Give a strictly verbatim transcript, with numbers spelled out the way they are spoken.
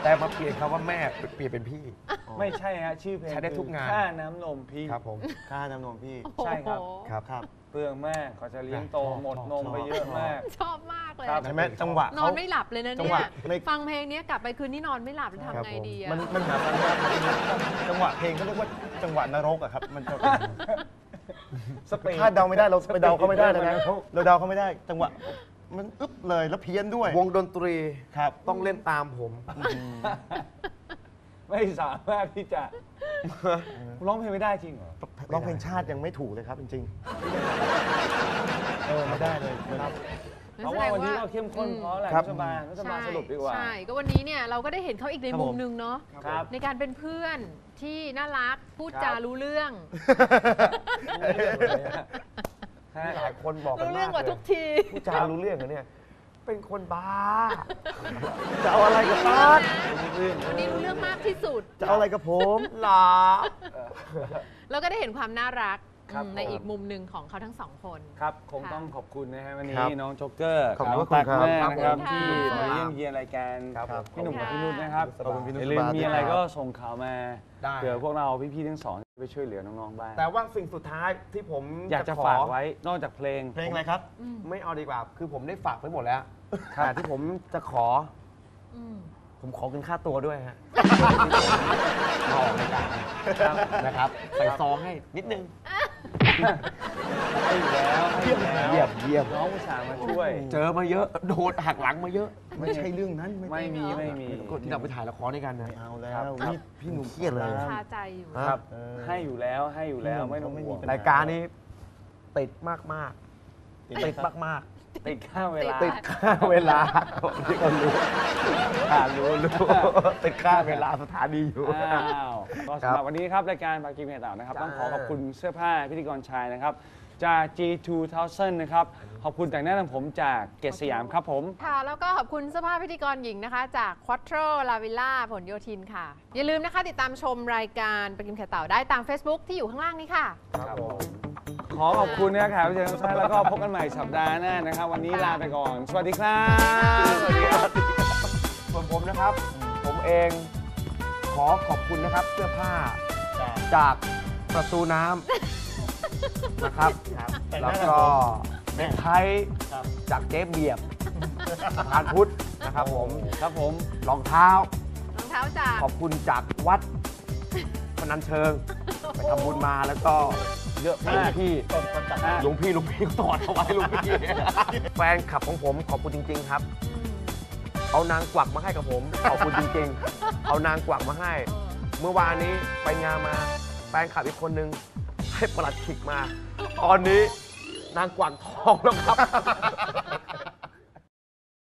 แต่มาเปลี่ยนคำว่าแม่เปลี่ยนเป็นพี่ไม่ใช่ฮะชื่อเพลงใช้ได้ทุกงานค่าน้ำนมพี่ครับผมค่าน้ำนมพี่ใช่ครับครับครับเปลืองมากเขาจะเลี้ยงโตหมดนมไปเยอะมากชอบมากเลยใช่ไหมจังหวะนอนไม่หลับเลยนะเนี่จังหวะยฟังเพลงนี้กลับไปคืนนี้นอนไม่หลับทำไงดีอะมันมันหาฟังยากจังหวะเพลงเขาเรียกว่าจังหวะนรกอะครับมันจะคาดเดาไม่ได้เราไปเดาเขาไม่ได้เลยนะเราเดาเขาไม่ได้จังหวะมันอึ๊บเลยแล้วเพี้ยนด้วยวงดนตรีครับต้องเล่นตามผมไม่สามารถที่จะร้องเพลงไม่ได้จริงเหรอร้องเพลงชาติยังไม่ถูกเลยครับจริงๆเออไม่ได้เลยครับเพราะว่าวันนี้เราเข้มข้นเพราะอะไรนุสบานุสบาสรุปดีกว่าใช่ก็วันนี้เนี่ยเราก็ได้เห็นเขาอีกในมุมนึงเนาะในการเป็นเพื่อนที่น่ารักพูดจารู้เรื่องหลายคนบอกกันรู้เรื่องกว่าทุกทีพูดจารู้เรื่องกันเนี่ยเป็นคนบ้าจะเอาอะไรกับป้าวันนี้รู้เรื่องมากที่สุดจะเอาอะไรกับผมหรอแล้วก็ได้เห็นความน่ารักในอีกมุมหนึ่งของเขาทั้งสองคนครับคงต้องขอบคุณนะฮะวันนี้น้องโจ๊กเกอร์ขอบคุณมากครับนะครับที่มาเยี่ยมเยียนรายการพี่หนุ่มกับพี่นุชนะครับอย่าลืมมีอะไรก็ส่งข่าวมาเผื่อพวกเราพี่ๆทั้งสองไปช่วยเหลือน้องๆบ้างแต่ว่าสิ่งสุดท้ายที่ผมอยากจะฝากไว้นอกจากเพลงเพลงอะไรครับไม่เอาดีกว่าคือผมได้ฝากไปหมดแล้วแต่ที่ผมจะขอผมขอเงินค่าตัวด้วยฮะมาออกรายการนะครับใส่ซองให้นิดนึงให้อยู่แล้วให้อยู่แล้วเยี่ยมเยี่ยมน้องผู้ชายมาช่วยเจอมาเยอะโดนหักหลังมาเยอะไม่ใช่เรื่องนั้นไม่มีไม่มีที่เราไปถ่ายละครด้วยกันนะเอาแล้วพี่หนุ่มเครียดเลยคาใจอยู่ครับให้อยู่แล้วให้อยู่แล้วไม่ต้องห่วงรายการนี้ติดมากมากติดมากมากติดค่าเวลาติดค่าเวลาที่คนรู้ค่ารู้รู้ติดค่าเวลาสถานีอยู่ก็สำหรับวันนี้ครับรายการปากีเมตานะครับต้องขอขอบคุณเสื้อผ้าพิธีกรชายนะครับจาก จี ทู พัน นะครับขอบคุณแต่งหน้าทำผมจากเกศสยามครับผมค่ะแล้วก็ขอบคุณเสื้อผ้าพิธีกรหญิงนะคะจาก Quattro La Villa ผลโยธินค่ะอย่าลืมนะคะติดตามชมรายการปากีเมตาได้ตาม Facebook ที่อยู่ข้างล่างนี้ค่ะครับผมขอขอบคุณนะครับพี่เจมส์แล้วก็พบกันใหม่สัปดาห์หน้านะครับวันนี้ลาไปก่อนสวัสดีครับสวัสดีครับส่วนผมนะครับผมเองขอขอบคุณนะครับเสื้อผ้าจากประตูน้ำนะครับแล้วก็เน็กไทจากเจ๊เบียบสะพานพุทธนะครับผมครับผมรองเท้ารองเท้าจากขอบคุณจากวัดพนัญเชิงไปทำบุญมาแล้วก็เยอะมากพี่หลวงพี่หลวงพี่ก็ตอดเอาไว้หลวงพี่แฟนคลับของผมขอบคุณจริงๆครับเอานางกวักมาให้กับผมขอบคุณจริงๆเอานางกวักมาให้เมื่อวานนี้ไปงานมาแฟนคลับอีกคนนึงให้ประหลัดขิกมาตอนนี้นางกวักทองแล้วครับ